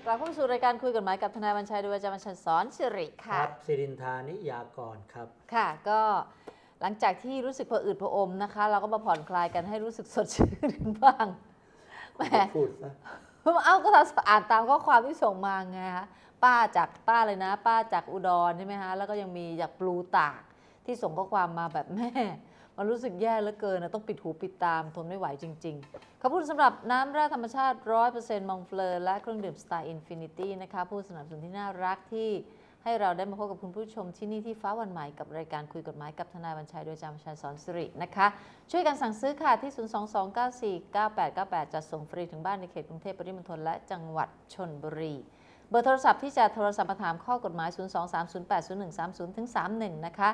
ลับเข้าสู่รายการคุยกฎหมายกับทนายวันชัยโดยอาจารย์วันชัยสอนสิริครัค่ะบสิรินทานิยากรครับค่ะก็หลังจากที่รู้สึกผะอืดผะอมนะคะ เราก็มาผ่อนคลายกันให้รู้สึกสดชื่นบ้างแหมพูดซะเอาก็อ่านตามข้อความที่ส่งมาไงคะป้าเลยนะ ป้าจากอุดรใช่ไหมคะแล้วก็ยังมีจากปลูตากที่ส่งข้อความมาแบบแม่มันรู้สึกแย่เหลือเกินนะต้องปิดหูปิดตามทนไม่ไหวจริงๆขอบคุณสำหรับน้ำแร่ธรรมชาติ 100% มองเฟลอและเครื่องดื่มสไตล์อินฟินิตี้นะคะผู้สนับสนุนที่น่ารักที่ให้เราได้มาพบกับคุณผู้ชมที่นี่ที่ฟ้าวันใหม่กับรายการคุยกฎหมายกับทนายวันชัยโดยอาจารย์วันชัยสอนสิรินะคะช่วยกันสั่งซื้อค่ะที่ 022949898 จัดส่งฟรีถึงบ้านในเขตกรุงเทพปริมณฑลและจังหวัดชลบุรีเบอร์โทรศัพท์ที่จะโทรศัพท์มาถามข้อกฎหมาย 023080130ถึง31นะคะ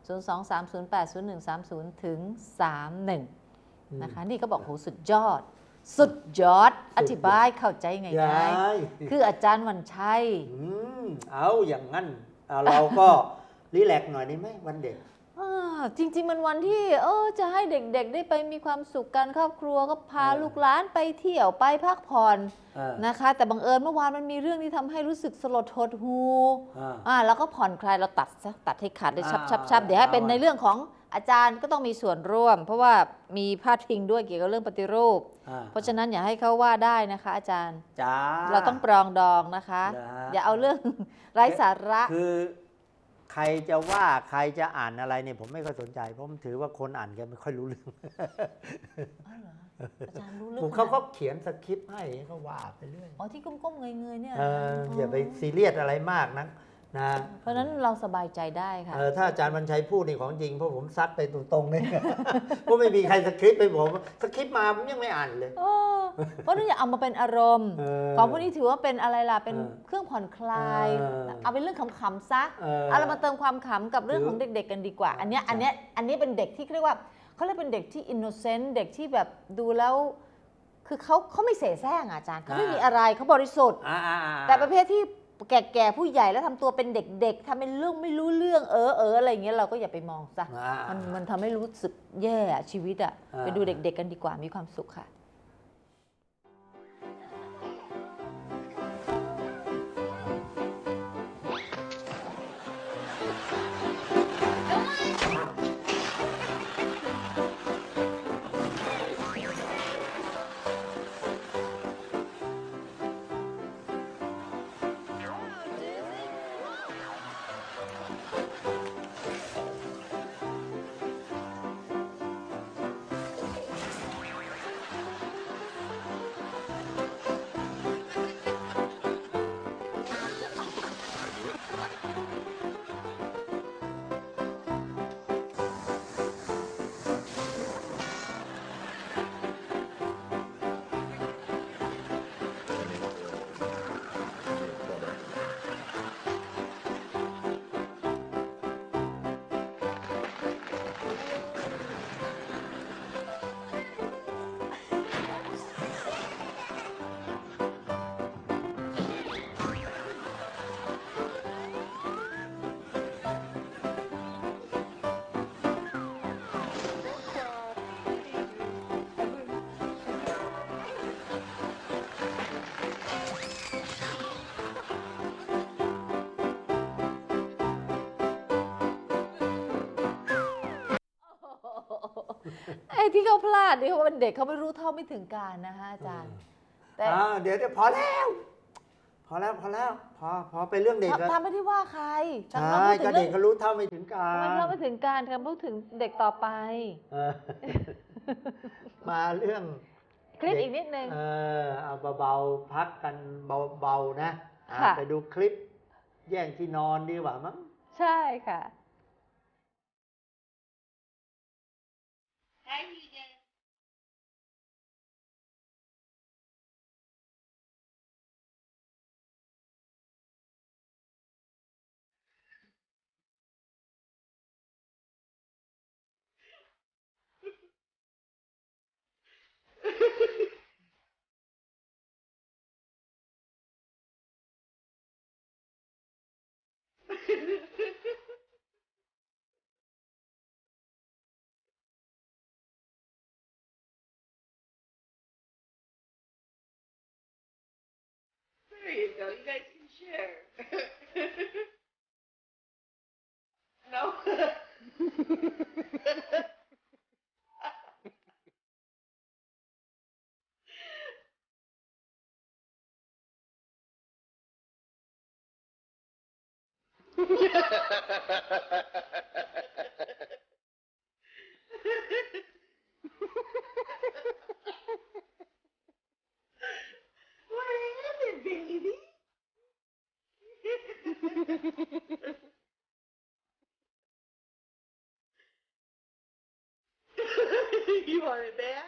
023080130ถึง31นะคะนี่ก็บอกโหสุดยอดอธิบายเข้าใจไงคืออาจารย์วันชัยเอาอย่างนั้นเราก็รีแลกซ์หน่อยได้ไหมวันเด็กจริงๆมันวันที่จะให้เด็กๆได้ไปมีความสุขกันครอบครัวก็พาลูกหลานไปเที่ยวไปพักผ่อนนะคะแต่บังเอิญเมื่อวานมันมีเรื่องที่ทำให้รู้สึกสลดหดหูแล้วก็ผ่อนคลายเราตัดให้ขาดเลยชับเดี๋ยวให้เป็นในเรื่องของอาจารย์ก็ต้องมีส่วนร่วมเพราะว่ามีพาดพิงด้วยเกี่ยวกับเรื่องปฏิรูปเพราะฉะนั้นอย่าให้เขาว่าได้นะคะอาจารย์เราต้องปรองดองนะคะอย่าเอาเรื่องไร้สาระคือใครจะว่าใครจะอ่านอะไรเนี่ยผมไม่ค่อยสนใจเพราะผมถือว่าคนอ่านกันไม่ค่อยรู้เรื่องอาจารย์รู้เรื่องเขาก็เขียนสคริปต์ให้เขาว่าไปเรื่อยที่ก้มๆเงยๆเนี่ยอย่าไปซีเรียสอะไรมากนะเพราะนั้นเราสบายใจได้ค่ะถ้าอาจารย์วันชัยพูดนี่ของจริงเพราะผมซัดไปตรงๆเลยเพราะไม่มีใครสคริปต์ไปผมสคริปต์มาผมยังไม่อ่านเลยเพราะนั่นอย่าเอามาเป็นอารมณ์ของพวกนี้ถือว่าเป็นอะไรล่ะเป็นเครื่องผ่อนคลายเอาเป็นเรื่องขำๆซะเอาเรามาเติมความขำกับเรื่องของเด็กๆกันดีกว่าอันนี้เป็นเด็กที่เรียกว่าเขาเรียกเป็นเด็กที่อินโนเซนต์เด็กที่แบบดูแล้วคือเขาไม่เสแสร้งอาจารย์เขาไม่มีอะไรเขาบริสุทธิ์แต่ประเภทที่แก่ๆผู้ใหญ่แล้วทำตัวเป็นเด็กๆทำเป็นเรื่องไม่รู้เรื่องอะไรอย่างเงี้ยเราก็อย่าไปมองซะมันทำให้รู้สึกแย่ชีวิตไปดูเด็กๆกันดีกว่ามีความสุขค่ะไอ้ที่เขาพลาดนี่เขาเป็นเด็กเขาไม่รู้เท่าไม่ถึงการนะคะอาจารย์แต่เดี๋ยวพอแล้วพอไปเรื่องเด็กแล้วทำไม่ได้ว่าใครใช่ก็เด็กเขารู้เท่าไม่ถึงการไม่เท่าไม่ถึงการคำพูดถึงเด็กต่อไปมาเรื่องคลิปอีกนิดนึงเอาเบาๆพักกันเบาๆนะไปดูคลิปแย่งที่นอนดีกว่ามั้งใช่ค่ะ you go. You guys can share. No. What happened, baby? You want it back?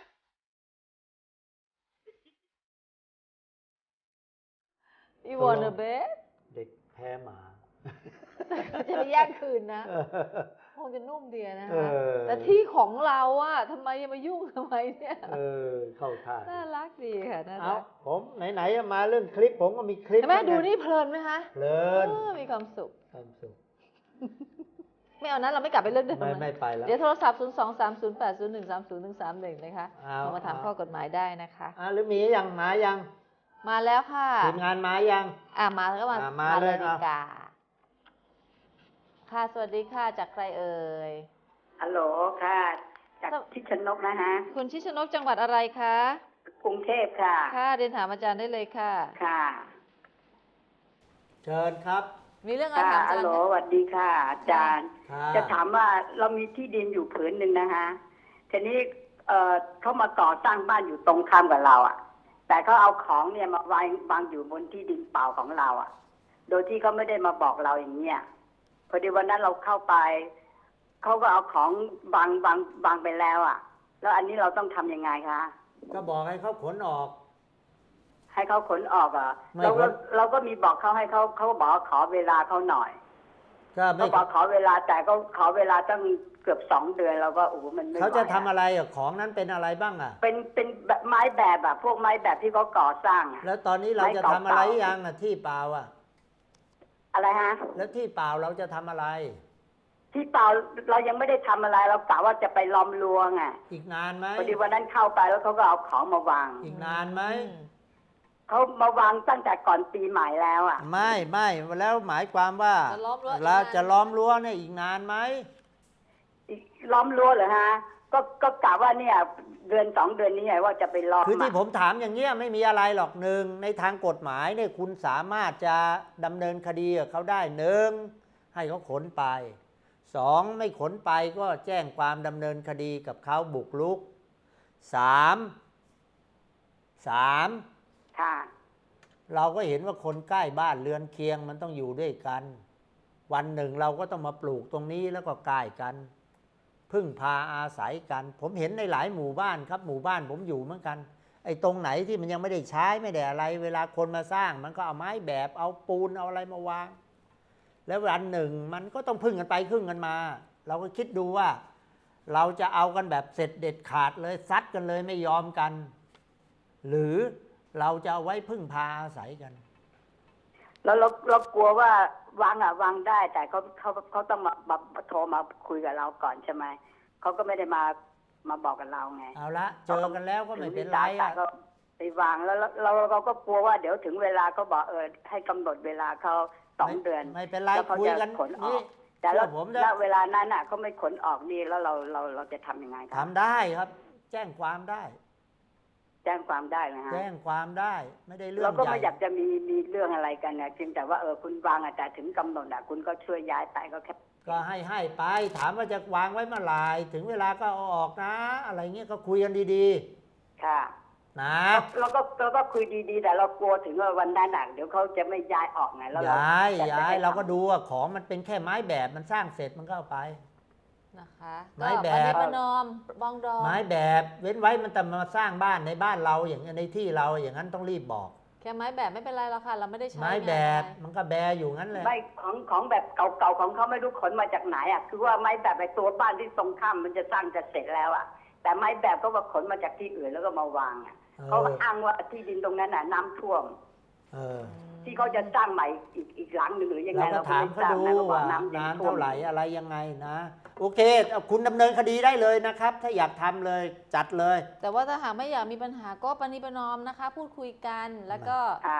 อีวอนเดอะเบสเด็กแพ้หมาจะไปแย่งคืนนะคงจะนุ่มเดียนะเอคะอแต่ที่ของเราอะทำไมยังมายุ่งทำไมเนี่ยเข้าท่าน่ารักดีค่ะน่าเอารักผมไหนๆมาเรื่องคลิปผมก็มีคลิปเห็นไหมเหมือนดูกันนี่เพลินไหมคะเพลินมีความสุขความสุขไม่เอานะเราไม่กลับไปเรื่องเดิมไม่ไปแล้วเดี๋ยวโทรศัพท์ 0 2 3 0 8 0 1 3 0 1 3 1 นะคะเอาโทรมาถามข้อกฎหมายได้นะคะหรือมียังมายังมาแล้วค่ะทีมงานมายังมาแล้วก็มามาเลยดีกาค่ะ สวัสดีค่ะ จากใครเอ่ยฮัลโหลค่ะ จากสวทิชนกนะฮะคุณชิชนกจังหวัดอะไรคะกรุงเทพค่ะค่ะเรียนถามอาจารย์ได้เลยค่ะค่ะเชิญครับมีเรื่องอะไรค่ะถามอาฮัจาลรย์โหลไหมสวัสดีค่ะ อาจารย์ค่ะจะถามว่าเรามีที่ดินอยู่ผืนหนึ่งนะคะทีนี้เขามาก่อสร้างบ้านอยู่ตรงข้ามกับเราอ่ะ แต่เขาเอาของเนี่ยมาวางอยู่บนที่ดินเปล่าของเราอ่ะ โดยที่เขาไม่ได้มาบอกเราอย่างเงี้ยพอดีวันนั้นเราเข้าไปเขาก็เอาของวางไปแล้วอ่ะ แล้วอันนี้เราต้องทำยังไงคะก็บอกให้เขาขนออกให้เขาขนออกอ่ะไม่เราก็มีบอกเขาให้เขาบอกขอเวลาเขาหน่อยก็ไม่เขาบอกขอเวลาแต่ก็ขอเวลาตั้งเกือบ2 เดือนเราก็โอ้โหมันไม่ไหวเขาจะทำอะไรอ่ะของนั้นเป็นอะไรบ้างอ่ะเป็นแบบไม้แบบอะพวกไม้แบบที่เขาก่อสร้างอะแล้วตอนนี้เราจะทำอะไรยังอ่ะที่เปล่าอ่ะอะไรฮะแล้วที่เปล่าเราจะทำอะไรที่เปล่าเรายังไม่ได้ทำอะไรเรากะว่าจะไปล้อมรั้วไงอีกนานไหมพอดีวันนั้นเข้าไปแล้วเขาก็เอาของมาวางอีกนานไหมเขามาวางตั้งแต่ก่อนปีใหม่แล้วอะไม่แล้วหมายความว่าจะล้อมรั้วเราจะล้อมรั้วเนี่ยอีกนานไหมล้อมรั้วเหรอฮะก็กะว่าเนี่ยเดือน2 เดือนนี้ไงว่าจะไปล้อมคือที่อะผมถามอย่างเงี้ยไม่มีอะไรหรอกหนึ่งในทางกฎหมายเนี่ยคุณสามารถจะดำเนินคดีกับเขาได้หนึ่งให้เขาขนไปสองไม่ขนไปก็แจ้งความดำเนินคดีกับเขาบุกรุกสามค่ะเราก็เห็นว่าคนใกล้บ้านเรือนเคียงมันต้องอยู่ด้วยกัน วันหนึ่งเราก็ต้องมาปลูกตรงนี้แล้วก็ใกล้กัน พึ่งพาอาศัยกัน ผมเห็นในหลายหมู่บ้านครับหมู่บ้านผมอยู่เหมือนกันไอ้ตรงไหนที่มันยังไม่ได้ใช้ไม่ได้อะไร เวลาคนมาสร้างมันก็เอาไม้แบบเอาปูนเอาอะไรมาวาง แล้ววันหนึ่งมันก็ต้องพึ่งกันไปพึ่งกันมา เราก็คิดดูว่า เราจะเอากันแบบเสร็จเด็ดขาดเลยซัดกันเลยไม่ยอมกัน หรือเราจะเอาไว้พึ่งพาอาศัยกันแล้วเรากลัวว่าวางได้แต่เขาต้องมาโทรมาคุยกับเราก่อนใช่ไหมเขาก็ไม่ได้มาบอกกับเราไงเอาละเจอกันแล้วก็ไม่เป็นไรแต่อ่ะก็ไปวางแล้วเราก็กลัวว่าเดี๋ยวถึงเวลาเขาบอกให้กำหนดเวลาเขา2 เดือนไม่เป็นไรแล้วเขาคุยจะกันขนออนี่กแต่แล้วเชื่อผมณเวลานั้นน่ะเขาไม่ขนออกนี่แล้วเราจะทำยังไงครัทำได้ครับ แจ้งความได้แจ้งความได้นะฮะแจ้งความได้ไม่ได้เรื่องเราก็ใหไม่อยาญ่กจะมีเรื่องอะไรกันนะเพียงแต่ว่าคุณวางแต่ถึงกำหนดคุณก็ช่วยย้ายไปก็แค่ก็ให้ไปถามว่าจะวางไว้เมื่อไหร่ถึงเวลาก็เอาออกนะ อะไรเงี้ยก็คุยกันดีค่ะๆ นะเราก็คุยดีๆแต่เรากลัวถึงว่าวันนั้นเดี๋ยวเขาจะไม่ย้ายออกไงแล้วย้ายจะไม่ให้เราก็ทำดูว่าของมันเป็นแค่ไม้แบบมันสร้างเสร็จมันก็เอาไปนะคะไม้แบบก็ประนีประนอมบองดองไม้แบบเว้นไว้มันแต่มาสร้างบ้านในบ้านเราอย่างในที่เราอย่างนั้นต้องรีบบอกแค่ไม้แบบไม่เป็นไรหรอกค่ะ เราไม่ได้ใช้ไม้แบบงานอะไรมันก็แบอยู่งั้นเลยไม่ของแบบเก่าๆของเขาไม่รู้ขนมาจากไหนคือว่าไม้แบบไอ้ตัวบ้านที่ตรงข้ามมันจะสร้างจะเสร็จแล้วแต่ไม้แบบก็ว่าขนมาจากที่อื่นแล้วก็มาวางเขาอ้างว่าที่ดินตรงนั้นน้ำท่วมเออที่เขาจะสร้างใหม่อีกหลังหนึ่งหรือยังไงเราก็ถามเขาดูนะว่าน้ำนานท่วเท่าม ไหร่อะไรยังไงนะ โอเคคุณดำเนินคดีได้เลยนะครับ ถ้าอยากทำเลยจัดเลยแต่ว่าถ้าหากไม่อยากมีปัญหาก็ประนีประนอมนะคะ พูดคุยกันแล้วก็ค่ะ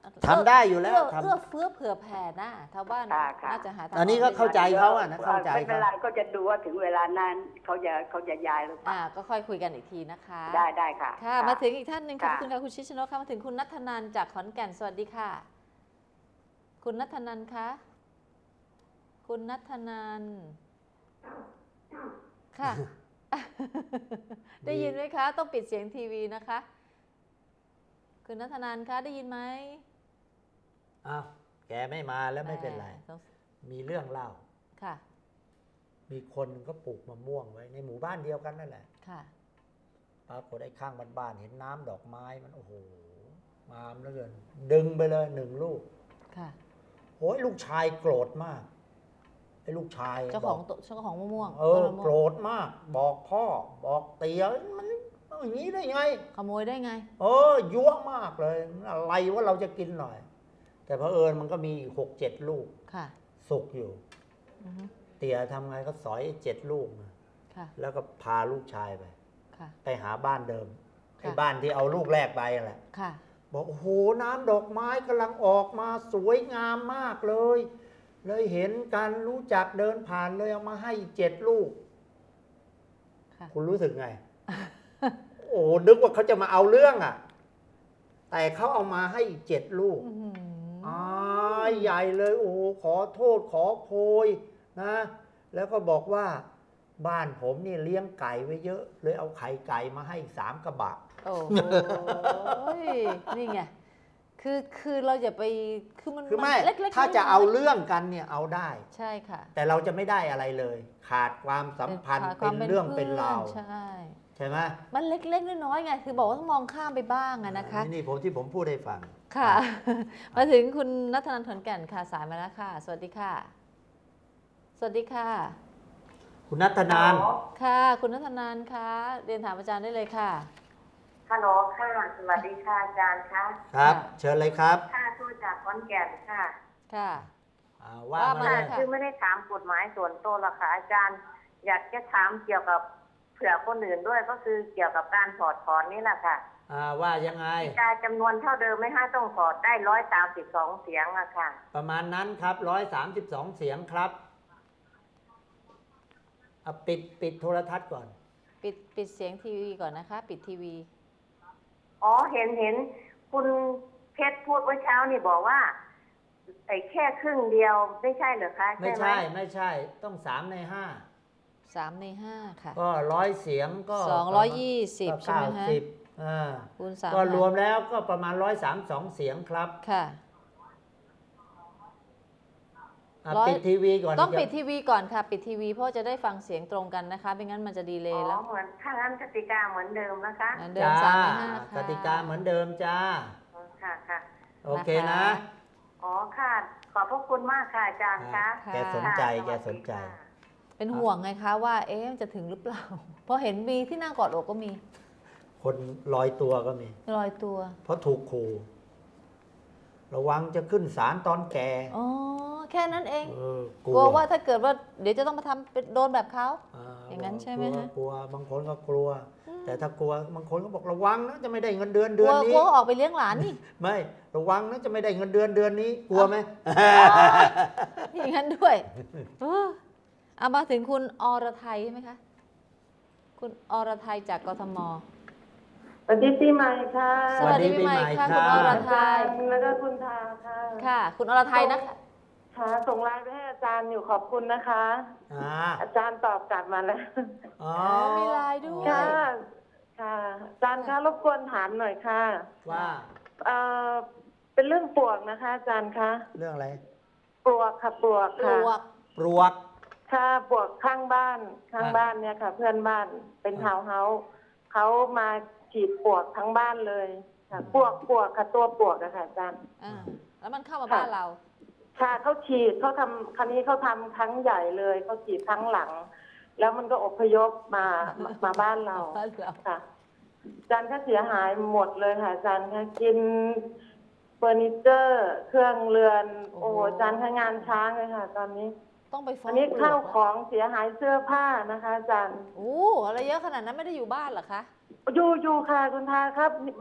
ทำได้อยู่แล้วเอื้อเฟื้อเผื่อแผ่นะชาวบ้านค่ะน่าจะหาทางอันนี้ก็เข้าใจเขาอะนะเข้าใจไม่เป็นเขาไรก็จะดูว่าถึงเวลานั้นเขาจะย้ายหรือเปล่าก็ค่อยคุยกันอีกทีนะคะได้ค่ะค่ะ มาถึงอีกท่านหนึ่งขอบค่ะคุณค่ะคุณชิชโนค่ะมาถึงคุณนัทธนันท์จากขอนแก่นสวัสดีค่ะ คุณนัทธนันท์คะคุณนัทธนันท์ค่ะ ได้ยินไหมคะ ต้องปิดเสียงทีวีนะคะ คุณนัทธนันท์คะได้ยินไหมอ้าวแกไม่มาแล้วไม่เป็นไร มีเรื่องเล่าค่ะมีคนก็ปลูกมะม่วงไว้ในหมู่บ้านเดียวกันนั่นแหละค่ะปรากฏไอ้ข้างบ้านๆเห็นน้ำดอกไม้มันโอ้โหงามเหลือเกินดึงไปเลย1 ลูกค่ะโอ้ยลูกชายโกรธมากไอ้ลูกชายเจ้าของมะม่วงต้นมะม่วงโกรธมาก บอกพ่อบอกเตี๋ยมันเอาอย่างนี้ได้ไงขโมยได้ไงยั่วมากเลยอะไรว่าเราจะกินหน่อย แต่เผอิญมันก็มี6-7 ลูกค่ะสุกอยู่อือฮึเตี๋ยทำไงก็สอย7 ลูกมาค่ะแล้วก็พาลูกชายไปค่ะไปหาบ้านเดิมค่ะไอ้บ้านที่เอาลูกแรกไปนั่นแหละค่ะบอกโอ้โหน้ำดอกไม้กำลังออกมาสวยงามมากเลยเห็นกันรู้จักเดินผ่านเลยเอามาให้7 ลูกค่ะคุณรู้สึกไง โอ้นึกว่าเขาจะมาเอาเรื่องอ่ะ แต่เขาเอามาให้7 ลูกอื้อหือใหญ่เลยโอ้โหขอโทษขอโพยนะ แล้วก็บอกว่าบ้านผมนี่เลี้ยงไก่ไว้เยอะ เลยเอาไข่ไก่มาให้3 กระบะโอ้โหนี่ไง คือเราอย่าไป คือมันคือไม่เล็กๆถ้าจะน้ยๆเอาเรื่องกันเนี่ยเอาได้ใช่ค่ะแต่เราจะไม่ได้อะไรเลย ขาดความสัมพันธ์ขาดคเป็วามนเรื่องเป็นราวใช่ใช่ไหมมันเล็กๆน้อยๆไง คือบอกว่าต้องมองข้ามไปบ้างอะนะคะนี่ที่ผมพูดให้ฟังค่ะ มาถึงคุณนัทนันท์ขอนแก่นค่ะสายมาแล้วค่ะ สวัสดีค่ะ สวัสดีค่ะคุณนัทนานค่ะ คุณนัทนันท์คะเรียนถามอาจารย์ได้เลยค่ะฮัลโหลค่ะสวัสดีค่ะอาจารย์คะครับค่ะเชิญเลยครับค่ะทูตจากขอนแก่นค่ะค่ะว่าว่ามามาเลเลย ยค่ะคือไม่ได้ถามกฎหมายส่วนตัวหรอกค่ะอาจารย์ อยากจะถามเกี่ยวกับเผื่อคนอื่นด้วยก็คือเกี่ยวกับการถอดถอนนี่แหละค่ะว่ายังไงการจำนวนเท่าเดิมไม่ให้ต้องถอดได้132 เสียงอะค่ะประมาณนั้นครับ132 เสียงครับปิดโทรทัศน์ก่อนปิดเสียงทีวีก่อนนะคะ ปิดทีวีอ๋อเห็นคุณเพชรพูดเมื่อเช้านี่บอกว่าไอ้แค่ครึ่งเดียวไม่ใช่เหรอคะไม่ใช่ไหมไม่ใช่ต้อง3 ใน 3 ใน 5 ค่ะ 5 ก็100 เสียงก็ 220 ใช่ไหมฮะ 90 คูณ3 ก็รวมแล้วก็ประมาณ132 เสียงครับค่ะปิดทีวีก่อนต้องปิดทีวีก่อนค่ะ ปิดทีวีเพราะจะได้ฟังเสียงตรงกันนะคะ ไม่งั้นมันจะดีเลอ๋ย์อแล้วเหมือนถ้างั้นกติกาเหมือนเดิมนะคะเหมือนเดิมจ้า 3 ใน 5 กค่ะติกาเหมือนเดิมจ้าค่ะค่ะโอเคนะอ๋อค่ะ ขอบพระคุณมากค่ะอาจารย์คะค่ะแกสนใจค่ะแกสนใจวัสดีค่ะเป็นห่วงไงคะว่า มันจะถึงหรือเปล่า เพราะเห็นมีที่นั่งกอดอกก็มีคนลอยตัวก็มีลอยตัวเพราะถูกขู่ระวังจะขึ้นศาลตอนแก่อ๋อ แค่นั้นเองกกลัวว่าถ้าเกิดว่าเดี๋ยวจะต้องมาทำเป็นโดนแบบเขา อย่างนั้นใช่ไหมฮะกลัวบางคนก็กลัว แต่ถ้ากลัวบางคนก็บอกระวังนะจะไม่ได้เงินเดือนกเดืลัอวนนี้กลัวออกไปเลี้ยงหลานนี่ไม่ระวังนะจะไม่ได้เงินเดือนนี้ กลัวไหมอย่างนั้นด้วยเอามาถึงคุณอรไทยใช่ไหมคะ คุณอรไทยจากกทมสวัสดีปีใหม่ค่ะสวัสดีปีใหม่ค่ะคุณอรไทยแล้วก็คุณทาค่ะค่ะ คุณอรไทยนะคะค่ะส่งไลน์ไปให้อาจารย์อยู่ขอบคุณนะคะ อาจารย์ตอบกลับมาแล้วอ๋อมีไลน์ด้วยค่ะ ค่ะ อาจารย์คะรบกวนถามหน่อยค่ะว่าเอ่อเป็นเรื่องปลวกนะคะ อาจารย์คะเรื่องอะไรปลวกค่ะปลวกปลค่ะวกปลวกค่ะปลวกข้างบ้านเนี่ยค่ะ เพื่อนบ้านเป็นทาวน์เฮาส์เขามาฉีดปลวกทั้งบ้านเลยค่ะปลวกค่ะตัวปลวกอะค่ะอาจารย์แล้วมันเข้ามาบ้านเราค่ะเขาฉีดเขาทำครั้นี้เขาทำครั้งใหญ่เลยเขาฉีดครั้งหลัง แล้วมันก็อพยพมาบ้านเราบ้านเราค่ะอาจารย์ก็เสียหายหมดเลยค่ะอาจารย์ค่ะกินเฟอร์นิเจอร์ เครื่องเรือน โอ้โหอาจารย์ค่ะงานช้างเลยค่ะ ตอนนี้ต้องไปฟ้ออังนนี้ปลวกข้าวของเสียหายเสื้อผ้านะคะ อาจารย์อะไรเยอะขนาดนั้นไม่ได้อยู่บ้านเหรอคะอยู่ค่ะคุณทาครับมัน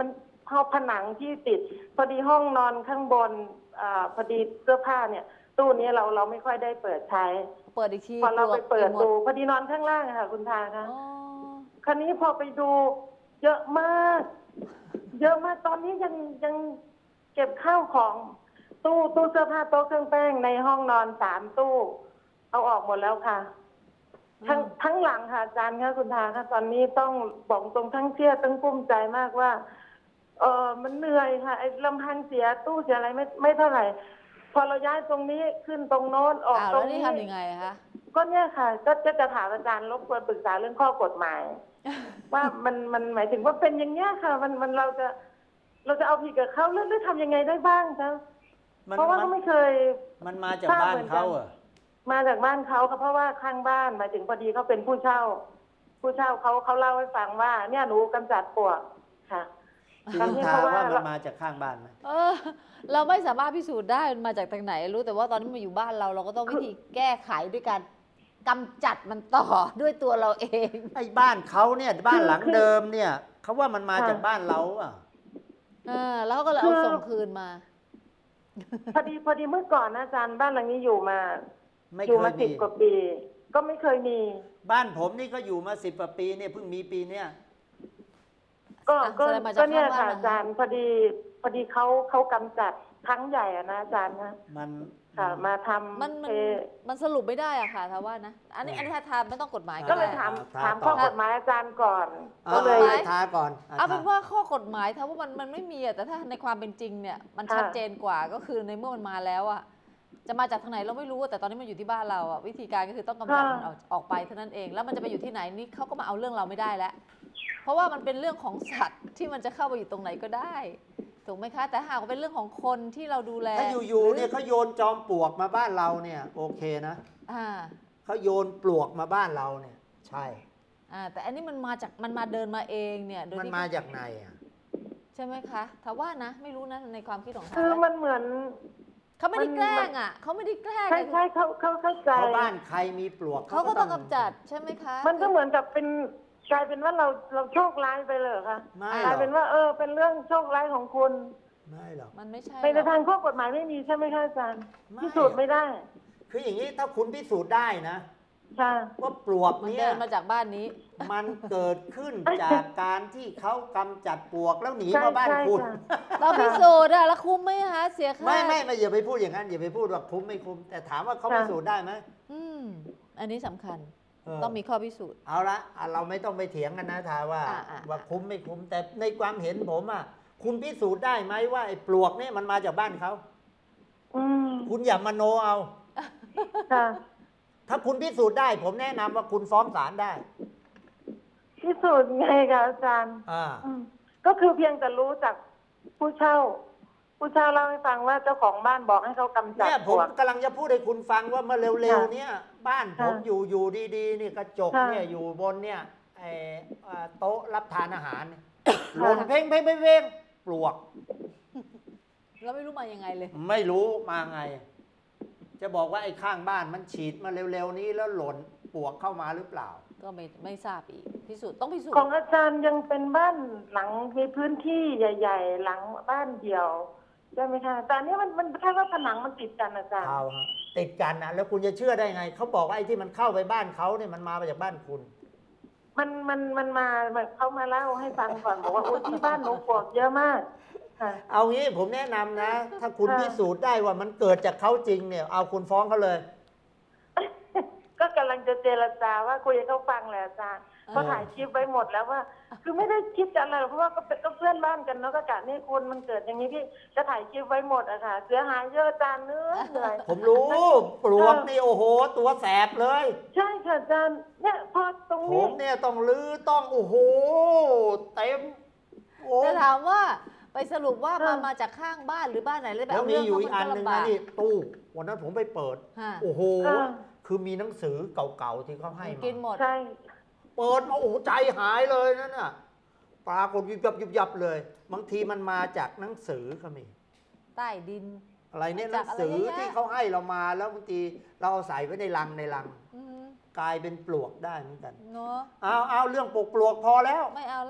ผนังที่ติด พอดีห้องนอนข้างบนพอดีเสื้อผ้าเนี่ย ตู้นี้เราไม่ค่อยได้เปิดใช้เปิดอีกทีพอเราไปเปิดหมดูพอดีนอนข้างล่างอะค่ะคุณทาคะอ๋อคราวนี้พอไปดูเยอะมาก เยอะมากตอนนี้ยังเก็บข้าวของตู้เสื้อผ้าโต๊ะเครื่องแป้งในห้องนอน3 ตู้ เอาออกหมดแล้วค่ะ ทั้งหลังค่ะอาจารย์ค่ะคุณทาค่ะตอนนี้ต้องบอกตรงทั้งเครียดทั้งกุ้มใจมากว่ามันเหนื่อยค่ะไอ้ลำพังเสียตู้เสียอะไรไม่เท่าไหร่ พอเราย้ายตรงนี้ขึ้นตรงโน้นออกอ้าวตรแล้งวนี่นี้ทำยังไงอะคะก็เนี่ยค่ะ ก็จะถามอาจารย์รบกวนปรึกษาเรื่องข้อกฎหมาย ว่ามันหมายถึงว่าเป็นอย่างเงี้ยค่ะ มันเราจะเอาผิดกับเขาหรือทำยังไงได้บ้างคะเพราะว่าเขาไม่เคยมันมาจากบ้านเขาเหรอมาจากบ้านเขาค่ะเพราะว่าข้างบ้านหมายถึงพอดีเขาเป็นผู้เช่าเขาเล่าให้ฟังว่า เนี่ยหนูกำจัดปลวกค่ะจริงทาว่ามันมาจากข้างบ้านไหมเราไม่สามารถพิสูจน์ได้มันมาจากทางไหนรู้แต่ว่าตอนนี้มาอยู่บ้านเราก็ต้องวิธีแก้ไขด้วยการกำจัดมันต่อด้วยตัวเราเองไอ้บ้านเขาเนี่ยบ้านหลังเดิมเนี่ยเขาว่ามันมาจากบ้านเราอ่ะแล้วเขาก็เลยเอาส่งคืนมาพอดีเมื่อก่อนนะอาจารย์บ้านหลังนี้อยู่มาไม่อยู่เคมายมี 10 กว่าปี ก็ไม่เคยมีบ้านผมนี่ก็อยู่มา10 กว่าปีเนี่ยเพิ่งมีปีเนี้ยก็แสดงมาจากก็เนี่ยข้างบ้านค่ะอาจารย์พอดีเขากำจัดครั้งใหญ่อะนะอาจารย์นะมันค่ะมาทำมันสรุปไม่ได้อะค่ะถ้าว่านะอันนี้ถ้าทำไม่ต้องกฎหมายก็เลยได้ถามข้อกฎหมายอาจารย์ก่อนก็เลยทาก่อนเอาเป็นว่าข้อกฎหมายถ้าว่ามันไม่มีอะแต่ถ้าในความเป็นจริงเนี่ยมันชัดเจนกว่าก็คือในเมื่อมันมาแล้วอะจะมาจากทางไหนเราไม่รู้แต่ตอนนี้มันอยู่ที่บ้านเราอะวิธีการก็คือต้องกำจัดมันออกไปเท่านั้นเองแล้วมันจะไปอยู่ที่ไหนนี่เขาก็มาเอาเรื่องเราไม่ได้แล้วเพราะว่ามันเป็นเรื่องของสัตว์ที่มันจะเข้าไปอยู่ตรงไหนก็ได้ถูกไหมคะแต่หากว่าเป็นเรื่องของคนที่เราดูแลถ้าอยู่ๆเนี่ยเขาโยนจอมปลวกมาบ้านเราเนี่ยโอเคนะเขาโยนปลวกมาบ้านเราเนี่ยใช่แต่อันนี้มันมาเดินมาเองเนี่ยโดยมันที่มาจากไหนอ่ะใช่ไหมคะถ้าว่านะไม่รู้นะในความคิดของเขาคือมันเหมือนเขาไม่ได้แกล้งอ่ะเขาไม่ได้แกล้งใช่เขาเข้าใจเพราะบ้านใครมีปลวกเขาก็ต้องกำจัดใช่ไหมคะมันก็เหมือนกับกลายเป็นว่าเราโชคร้ายไปเลยค่ะไม่กหรลาอย กเป็นว่าเป็นเรื่องโชคร้ายของคุณไม่หรอกมันไม่ใช่ในทางข้อกฎหมายไม่มีใช่ไหมคะอาจารย์ไม่พิสูจน์ไม่ได้คืออย่างนี้ถ้าคุณพิสูจน์ได้นะค่ะว่าปลวกมันเนี่เดิยนมาจากบ้านนี้มันเกิดขึ้นจากการที่เขากำจัดปลวกแล้วหนีมาบ้านใช่คุณค่ะเราพิสูจน์อะแล้วคุ้มไหมคะเสียค่าไม่อย่าไปพูดอย่างนั้นอย่าไปพูดว่าคุ้มไม่คุ้มแต่ถามว่าเขาพิสูจน์ได้ไหมอันนี้สำคัญเออต้องมีข้อพิสูจน์เอาละเราไม่ต้องไปเถียงกันนะทาว่า ว่าคุ้มไม่คุ้มแต่ในความเห็นผมอ่ะคุณพิสูจน์ได้ไหมว่าไอ้ปลวกเนี่ยมันมาจากบ้านเขาอืมคุณอย่ามโนเอาค่ะถ้าคุณพิสูจน์ได้ ผมแนะนำว่าคุณฟ้องศาลได้พิสูจน์ไงคะอาจารย์อ่าก็คือเพียงแต่รู้จากผู้เช่าเล่าให้ฟังว่าเจ้าของบ้านบอกให้เขากำจัดเนี่ยปผลมวกกำลังจะพูดให้คุณฟังว่าเมื่อเร็วๆเนี่ยบ้านผมค่ะอยู่ดีๆนี่กระจกค่ะเนี่ยอยู่บนเนี่ยไอ้โต๊ะรับทานอาหารเนี่ยหค่ะล่นเพ่งปลวกเราไม่รู้มายังไงเลยไม่รู้มาไง จะบอกว่าไอ้ข้างบ้านมันฉีดมาเร็วๆนี้แล้วหล่นปลวกเข้ามาหรือเปล่าก็ไม่ทราบอีกพิสูจน์ต้องพิสูจของน์อาจารย์ยังเป็นบ้านหลังมีพื้นที่ใหญ่ ๆ หลังบ้านเดียวใช่ไหมคะแต่อันนี้มันแค่ว่าผนังมันติดกันอาจารย์เอาฮะติดกันนะแล้วคุณจะเชื่อได้ไง เขาบอกว่าไอ้ที่มันเข้าไปบ้านเขาเนี่ยมันมาจากบ้านคุณมันมาเขามาเล่าให้ฟังก่อนบอกว่าโอ้ที่บ้านหนูปลวกเยอะมากค่ะเอางี้ผมแนะนำนะ ถ้าคุณค่ะพิสูจน์ได้ว่ามันเกิดจากเขาจริงเนี่ย เอาคุณฟ้องเขาเลยก็กำลังจะเจรจาว่าคุยให้เขาฟังแหละอาจารย์เขาถ่ายคลิปไว้หมดแล้วว่า คือไม่ได้คิดจะอะไรหรอกเพราะว่าก็เพื่อนบ้านกันเนาะก็กะนี่คุณมันเกิดอย่างนี้พี่จะถ่ายคลิปไว้หมดอะค่ะเสียหายเยอะอาจารย์เหนื่อยผมรู้ปลวกนี่โอ้โห ตัวแสบเลยใช่ค่ะอาจารย์เนี่ยพอตรงผนี้มเนี่ยต้องลื้อต้องโอ้โหเต็มโอ้แต่ถามว่าไปสรุปว่าค่ะมาจากข้างบ้านหรือบ้านไหนเลยแบบแล้วมีอยู่อีกอันหนึ่งนะนี่ตู้วันนั้นผมไปเปิดฮะโอ้โหค่ะคือมีหนังสือเก่าๆที่เขาให้มากินหมดใช่เปิดมาโอ้โหใจหายเลยนั่นน่ะปรากฏยุบยับเลย บางทีมันมาจากหนังสือก็มีใต้ดินอะไรเนี่ยหจานักงอะไรสือเยอะแยะที่เขาให้เรามาแล้วบางทีเราเอาใส่ไว้ในลังอืมกลายเป็นปลวกได้เหมือนกันเนาะเอาเรื่องปลวกพอแล้วไม่เอาละ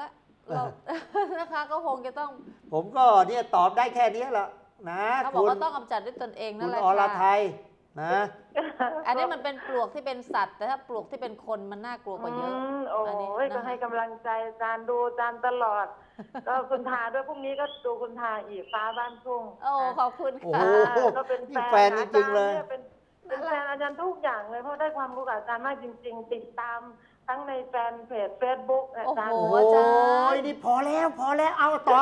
เรา นะคะก็คงจะต้องผมก็เนี่ยตอบได้แค่นี้แหละนะเขาบอกว่าต้องกำจัดด้วยตนเองคุนั่นณแหละอรไทค่ะยนะอันนี้มันเป็นปลวกที่เป็นสัตว์ แต่ถ้าปลวกที่เป็นคนมันน่ากลัวกว่าเยอะโอ้อันนี้ยก็นะคะให้กำลังใจอาจารย์ดูอาจารย์ตลอด ก็คุณทาด้วยพรุ่งนี้ก็ดูคุณทาอีกฟ้าบ้านทุ่งโอ้ขอบคุณโอ้ค่ะโหก็เป็นนี่แฟแฟนนจริงๆเลยอาจารนี่เป็นแฟนอาจารย์ทุกอย่างเลยเพราะได้ความรู้กับอาจารย์มากจริง ๆ ติดตามทั้งในแฟนเพจ Facebook อาจารย์โอ้โอ้โหยอาจารย์นี่พอแล้วเอาต่อ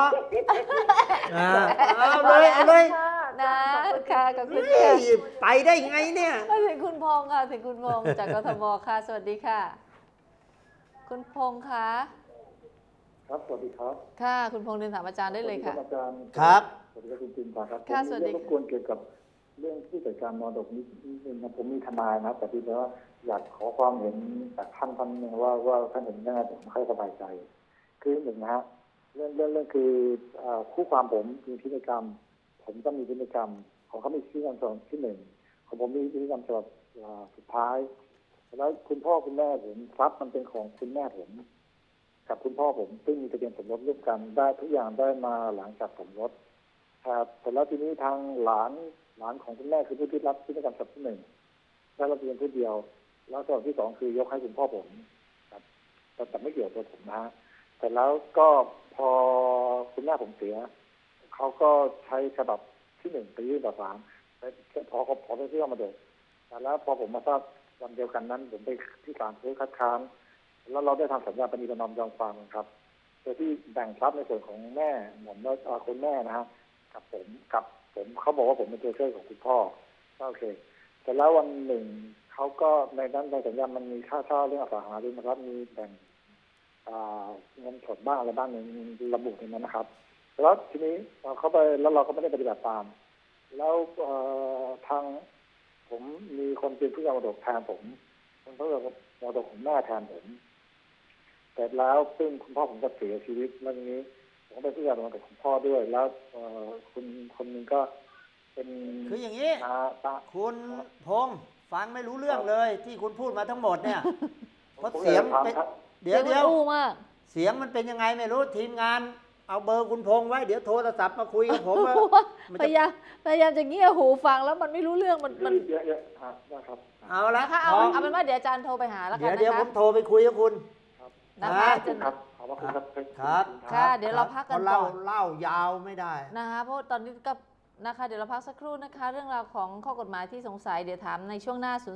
เอาเลยเอาเลยนะค่ะขอบคุณเฮ้ค่ะยไปได้ไงเนี่ยมาถึงคุณพงษ์ค่ะถึงคุณพงษ์จากกทมค่ะ สวัสดีค่ะ คุณพงษ์คะครับ สวัสดีครับค่ะ คุณพงษ์เรียนถามอาจารย์ได้เลยค่ะสวัสดีอาจารย์ครับสวัสดีครับคุณจินตาครับค่ะผมสวัสมีดีเรื่องรบกวนเกี่ยวกับเรื่องผู้จัดการมรดกนิดนึงนะผมมีทนายนะแต่ที่ว่าอยากขอความเห็นจากท่านหนึงว่าท่านเห็นยังไงผมค่อยสบายใจ คือหนึ่งนะฮะเรื่องคือคู่ความผมมีพินัยกรรม ผมก็มีพินัยกรรม ของเขามีพินัยกรรมฉบับที่หนึ่งของผมมีพินัยกรรมฉบับสุดท้าย แล้วคุณพ่อคุณแม่ผมทรัพย์มันเป็นของคุณแม่ผมกับคุณพ่อผมซึ่งมีทะเบียนสมรสร่วมกันได้ทุกอย่างได้มาหลังจากสมรสครับแต่แล้วทีนี้ทางหลานของคุณแม่คือผู้ที่รับพินัยกรรมฉบับที่หนึ่งได้รับเพียงผู้เดียว แล้วฉบับที่สองคือยกให้คุณพ่อผมครับแต่ไม่เกี่ยวกับตัวผมนะฮะแต่แล้วก็พอคุณแม่ผมเสียเขาก็ใช้ฉบับที่หนึ่งไปยื่นต่อศาลพอไปที่มาเดินแต่แล้วพอผมมาทราบวันเดียวกันนั้นผมไปที่ศาลเพื่อคัดค้านแล้วเราได้ทำสัญญาปณีประนอมยอมความครับโดยที่แบ่งทรัพย์ในส่วนของแม่ผมและคุณแม่นะฮะกับผมเขาบอกว่าผมเป็นตัวช่วยของคุณพ่อโอเคแต่แล้ววันหนึ่งเขาก็ในนั้นในสัญญามันมีค่าเช่าเรื่องอสังหาริมทรัพย์มีแบ่งเงินสดบ้างอะไรบ้างในระบุในนั้นนะครับแล้วทีนี้เขาไปแล้วเราก็ไม่ได้ปฏิบัติตามแล้วทางผมมีคนเป็นผู้ยามรดกแทนผมคนผู้ยามรดกของแม่แทนผมแต่แล้วซึ่งคุณพ่อผมก็เสียชีวิตเรื่องนี้ผมเป็นผู้ยามรดกของพ่อด้วยแล้วคุณคนนึงก็เป็นคืออย่างนี้ คุณพงษ์ฟังไม่รู้เรื่องเลย ที่คุณพูดมาทั้งหมดเนี่ยเพราะเสียงเป็นเดี๋ยวอู้มากเสียงมันเป็นยังไงไม่รู้ทีมงานเอาเบอร์คุณพงษ์ไว้เดี๋ยวโทรศัพท์มาคุยกับผมมันพจะยายามจะเงี่ยหูฟังแล้วมันไม่รู้เรื่องมันเยอะๆนะครับเอาละนะคะเอาเป็นว่าเดี๋ยวอาจารย์โทรไปหาแล้วกันนะคะเดี๋ยวผมโทรไปคุยกับคุณนะคะครับขอบคุณครับครับค่ะเดี๋ยวเราพักกันเพราะก่อนเล่ายาวไม่ได้นะคะเพราะตอนนี้ก็นะคะเดี๋ยวเราพักสักครู่นะคะ เรื่องราวของข้อกฎหมายที่สงสัยเดี๋ยวถามในช่วงหน้า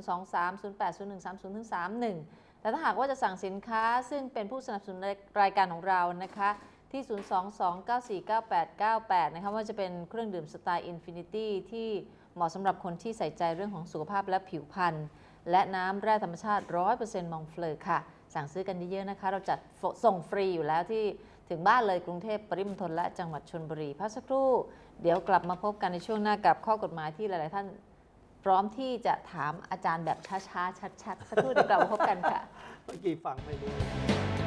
023-080130-31 แต่ถ้าหากว่าจะสั่งสินค้าซึ่งเป็นผู้สนับสนุนรายการของเรานะคะที่ 022949898 นะคะว่าจะเป็นเครื่องดื่มสไตล์ Infinity ที่เหมาะสำหรับคนที่ใส่ใจเรื่องของสุขภาพและผิวพรรณและน้ำแร่ธรรมชาติ 100% มองเฟลอค่ะ สั่งซื้อกันเยอะๆนะคะเราจัดส่งฟรีอยู่แล้วที่ถึงบ้านเลยกรุงเทพปริมณฑลและจังหวัดชลบุรีพักสักครู่เดี๋ยวกลับมาพบกันในช่วงหน้ากับข้อกฎหมายที่หลายๆท่านพร้อมที่จะถามอาจารย์แบบช้าๆชัดๆสักครู่เดี๋ยวกลับมาพบกันค่ะเมื่อกี้ฟังไม่รู้